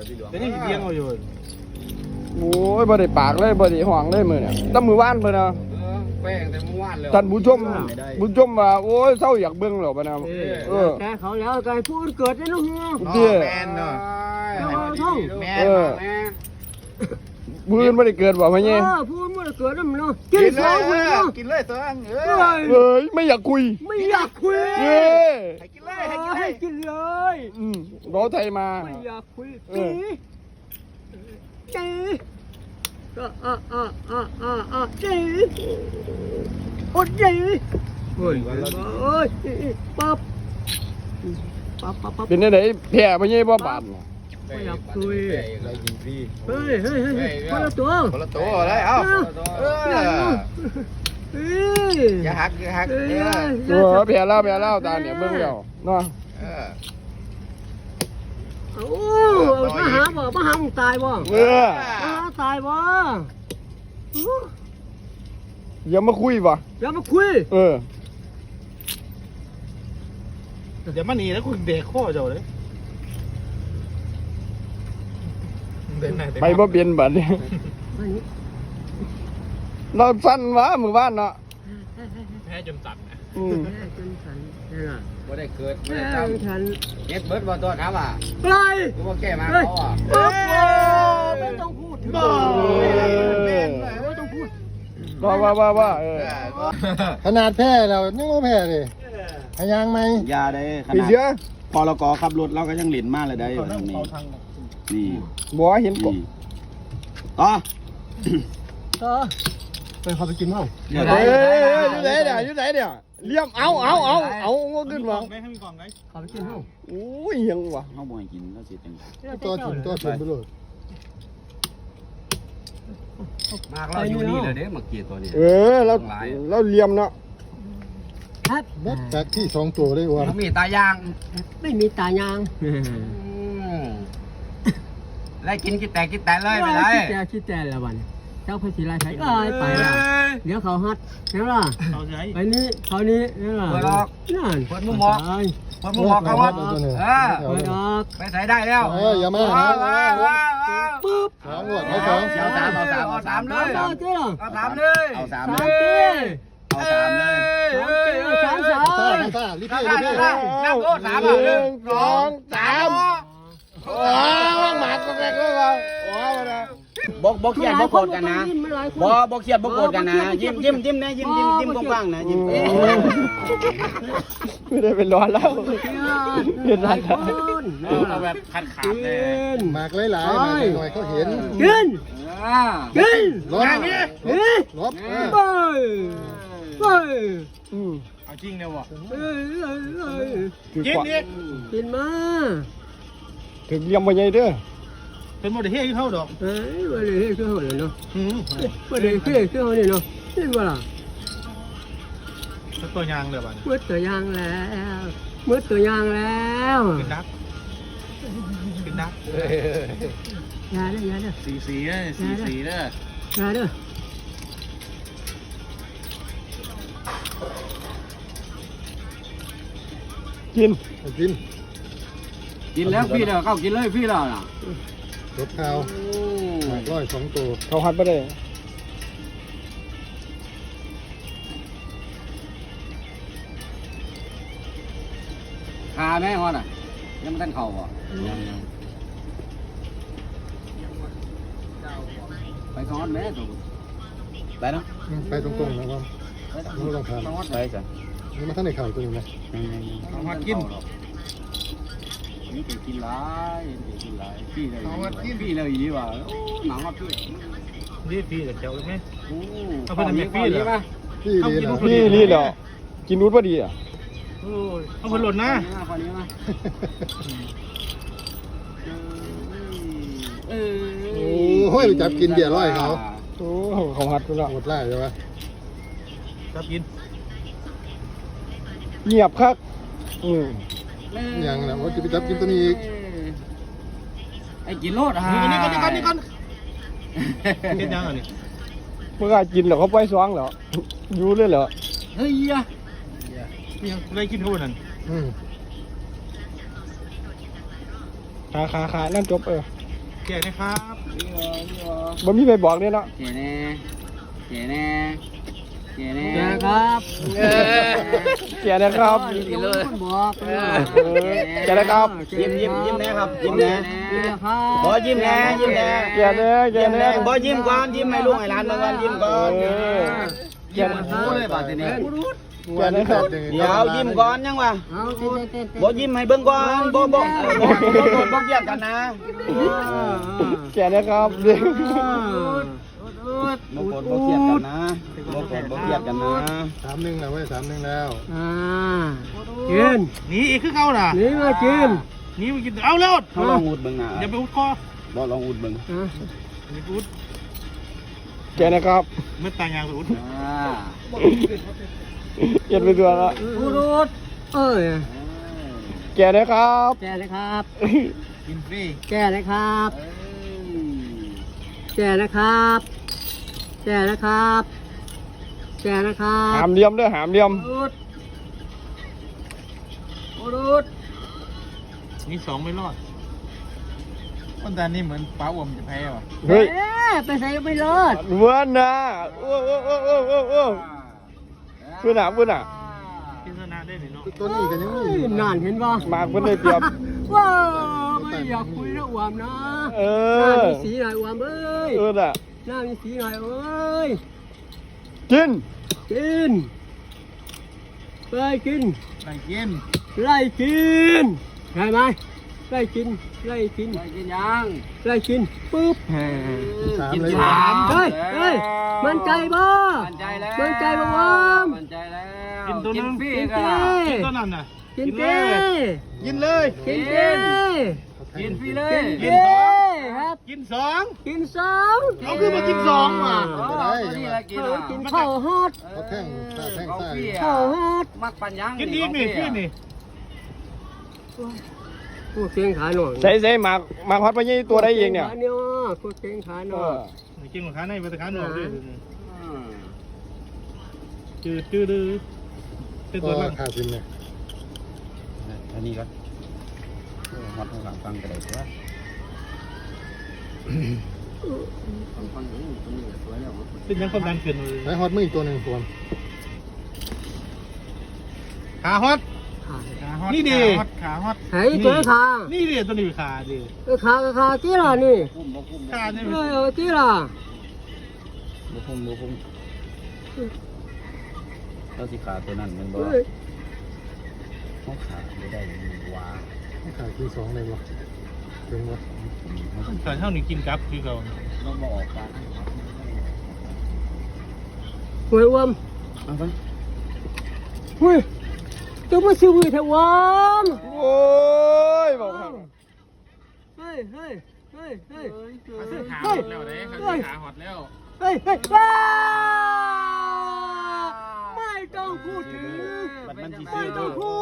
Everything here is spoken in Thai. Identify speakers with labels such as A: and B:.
A: แต่ยังเลี้ยงเอาอยู่
B: โอ้ยบ่ได้ปากเลยบ่ได้ห่วงเลยมื้อเนี่ยตั้งมื้อวานเพิ่นน่ะ
A: แป้งแต่เมื่อวานเลย
B: ท่านผู้ชมว่าโอ้ยเศร้าอยากเบิ่งแล้วบ่นะ
C: แกเขาแล้วไก่พูดเกิดได้ลูกเนาะ
A: แมนเนาะแมน
B: มื้ออื่นบ่ได้เกิดบ่พ่อใหญ่
C: พูดบ่ได้เกิดนำเนาะกินข้าวเนาะ
A: กินเลยตัว
B: เอ้ยไม่อยากคุย
C: ไม่อยากคุย
A: ให้กินเลย
C: ให้กินเลย
B: รอไทยมา
C: ไม่อยากคุยจีจีโอ้จีเฮ้ยปั๊บ
B: เป็นจังได๋แพ้พ่อใหญ่บ่บาด
C: ไม่อยากคุย
A: อะไรกินฟรี
C: เฮ้ยคนละตัว
A: เลยเอาอย่าหัก
B: แพ้แล้วตาเนี่ยเบิ่งแล้วเนาะ
C: มาหามึงตายบ่ตายบ่
B: อย่ามาคุยบ่
C: อย่ามาคุย
A: อย่ามาหนีแล้วคุณเด็กข้อเจ้าเลย
B: ไปบ่เปลี่ยนบัดนี้เราสั้นวะมื้อวานเนาะ
A: แพ้จนสั่น
C: แพ้จนสั่น
A: ว่าได้เกิดไม่ได้จำเน็ตเบิร์ดว่าตัวถามว่า
C: ไร
A: กูว่าแก้มาเขาอ่ะ
C: ไม่ต้องพูดไม่ต้องพูด
B: ว่า
D: ขนาดแพ้เรายังว่าแพ้เลยพยางไหม
A: ยาได้ขนาดพอเราก่อขับรถเราก็ยังหลินมากเลยได้นี่
B: บ่เห็นกบ
A: ต่อ
C: ไปเขาไปกินมั้ง
B: อยู่ไหนเนี่ยเลี้ยมเอางขึ้นมา
C: เขาไปกินมั้ง
B: โอ้ยยังวะ
A: เขาบ่อยกินแล้วสิจัง
D: ตัวถึงไปเลย
A: มากเราอยู่นี่เลยเด้มาเกียตัวนี้
B: เราเลี้ยมเนาะ
C: ครับ
D: จากที่2ตัวได้วะ
A: มีตายาง
C: ไม่มีตายาง
A: ไล่กินกินแต่เลยไปเลย
C: คิดแต่ละวันเจ้าพระศิลาใช้ไปละเดี๋ยวเขาฮัดแล้วล่ะไปนี้เขานี้นี่ล่ะนั่น
A: คนมุมมองเขาว่าไปใส่ได้แล้ว
D: อย่ามา
C: ปุ๊บ
D: เอา3
A: เลยเอา3เลย
D: รีบ
A: นั่งโก้3 1 2 3
B: หมาก็แม่ก็ว่า
A: บอกเครียดบอกโกรธกันนะบอกเครียดบอกโกรธกันนะยิ้มนะยิ้มกว้างๆนะยิ้ม
B: ไม่ได้เป็นร้อนแล้วเป็นไร
A: เราแบบขัดขาดเลย
D: หมากหลายหน่อยเขาเห็น
C: กิน
D: ลบ
A: เอาจริงเนี่ยวะ
C: กินมา
B: ถึงยังไม่ใหญ่เด้อ
A: เป็นโมเดลที่เข้าดอก
C: โมเดลที่เข้าเลยเนาะโมเดลที่เข้าเนี่ยเนาะนี่ว่าล่ะ
A: ตัวยางเลยบ้าน
C: มืดตัวยางแล้ว
A: กินนัก
C: ยาเด้อ
A: สีเด้อย
C: าเด้อ
B: กิน
A: แล้วพี่เด้อเข้ากินเลยพี่เด้อน่ะ
D: รถข้าวหมาก2ตัว
B: เขาหัดไปได้
A: คาแม่ฮอดอ่ะยังไม่ทันเข่าอ่ะไปซ้อนแม่ตัวไปเนาะ
D: ไปตรงๆนะครับไม่ต้องทำ
A: ไปจ้ะ
D: นี่มาท่านในข่าวตัวนี้นะ
A: เอามากินนี่กินหลายพี่เลยดีว่ะหนังมาพี่กับเจ้าเลยไหมเอาไปทำพี่เลย
B: พี่เหรอกินนุ้นพอดีอ่ะ
A: เอาคนหล่นนะ
D: โอ้ยจับกินเบียร์ร้อยเขา
B: เขาหัดไปแล้ว
D: หมดไล่ใช่ไหม
A: จับกิน
B: เงียบครับ
D: อย่างนะว่าจะไปจับกินตัวนี้อีก
A: ไอ้กินโลดฮะนี่ก่อนกินยังอ่ะนี่
B: เมื่อกินเหรอเขาไปซ้องเหรออยู่เลยเหรอ
A: เฮ้ยอะไรกินทุกนั่น
B: ขานั่นจบ
A: แก่นะครับ
B: บ่มีใครบอกเนี่ยเนาะ
C: เจ๋แน่เจ๋แน่เจ๋แน่ครับ
B: แกนะครับ
C: เลยบอก
B: แกนะครับ
A: ยิ้มนะครับยิ้มแน่
C: ครับ
A: บอยิ้มแน่ยิ้มแน่
B: แกเด้อแกเด้อบ
A: อยิ้มก่อนยิ้มให้ลูกให้หลานเมื่อวันยิ้มก่อน
B: แก
A: ยิ้ม
B: นะ
A: หูเลยบาดนี้
B: แกนะครับ
A: เดี๋ยวยิ้มก่อนยังวะ
C: เอาเต้น
A: บอยิ้มให้เบิ่งก่อนบอบเกี่ยงกันนะ
B: แกนะครับเด็ก
A: บอเกี่ยงกันนะบอเกี่ยงกันนะ
D: 3-1แล้วเว้ย3-1แล้ว
C: กิน
A: นี่อีกคือเก่าน่ะ
C: นี่มากิน
A: นี่มากินเอาเร็วเขาลองอุดเบิ่งนะอย่าไปอุดคอบอลองอุดเบิ่งอุด
B: แกนะครับ
A: ไม่ต่างอย่างอุด
B: เก็บไปตัวละ
C: พูดเอ้ย
B: แกนะครับ
C: แกนะครับ
A: กินฟรี
C: แกนะครับแกนะครับแกนะครับแกนะครับ
B: หามเหลี่ยมเด้อหามเหลี่ยม
C: รูด
A: นี่2ไม่รอดคนแต่นี่เหมือนป้าอ้วมจะแพ้ว่ะ
B: เฮ้ย
C: ไปใส่ไม่รอด
B: เมื่อนะโอ้เพื่อนอ่ะ
A: กินชนะได้หนิเนาะ
D: ตัวนี้ก็ยังมีอยู่
C: นานเห็นป่ะ
B: มากเพื่อนได้เปรียบ
C: ว้าไม่อยากคุยนะอวมนะ
B: เอ
C: หน้า
B: อ
C: มีสีหน่อยอวมเอ้ย
B: น่ะ
C: หน้ามีสีหน่อยเอ้ย
B: กิน
C: กินไปกิน
A: ไปกิน
C: ไล่กินใช่ไหมไล่กินไล่กินไล่กินยังไล่กินปุ๊บ
D: 3เลย
C: เฮ้ยมันใจบ่มันใจแล้วมันใจบ่วม
A: มันใจแล้ว
C: กินตัวนึง
A: กินตัวนั้นน่ะ
C: กินเจ
A: กินเลย
C: กินเจ
A: กินฟรีเลย
C: กินเจครับ
A: กิน2
C: กินสอง
A: เอาคือมากิน2ว่ะ
C: กินข้าวฮอต
D: เขาแท่งซ้าย
C: ข้าวฮอต
A: มักปัญญังกินอีกนี่กินนี่
C: พูดเก่งขาหน่อย
B: ใส่หมากฮอตไปยี่ตัวได้เองเนี่ย
C: พูดเก่งขาหน่อย
A: กินของขาในไปตะขาหนอกด้วยจืดเป็น
D: ก็
A: ตัวล่าง
D: ขาดซิมเนี่ย
A: อันนี้ก็มัดข้างหลังฟังกันเลยว่าเป็นยังความดันเกินเลย
D: ไอ้ฮอตมืออีกตัวหนึงรวม
A: ขาฮอตนี่ดีขาฮอต
C: เฮ้ยเจอขา
A: นี่ดีตัวนี้ขาดี
C: ขาที่ล่ะนี่
A: ขาเนี่ย
C: ที่ล่ะ
E: บุพุ่มเราสิขาตัวนั้นมันบ่เขาขาไม่ได้ว้า
D: ขาดที่2เลยวะถึงวะ
A: แต่เท่านี้กินกับคือเขา
E: เราบ่ออกกัน
C: หวยอ้วม
E: เอาไป
C: เฮ้ยจะมาซื้อหวยเถอะวอม
B: โอ้ยบอกครับ
C: เฮ้ยเฮ้ยเฮ้ยเฮ้ย
A: ขาฮอตแล้วเด้ขาฮอตแล้ว
C: เฮ้ยเฮ้ยไม่ต้องพูดถึงไม่ต้องพู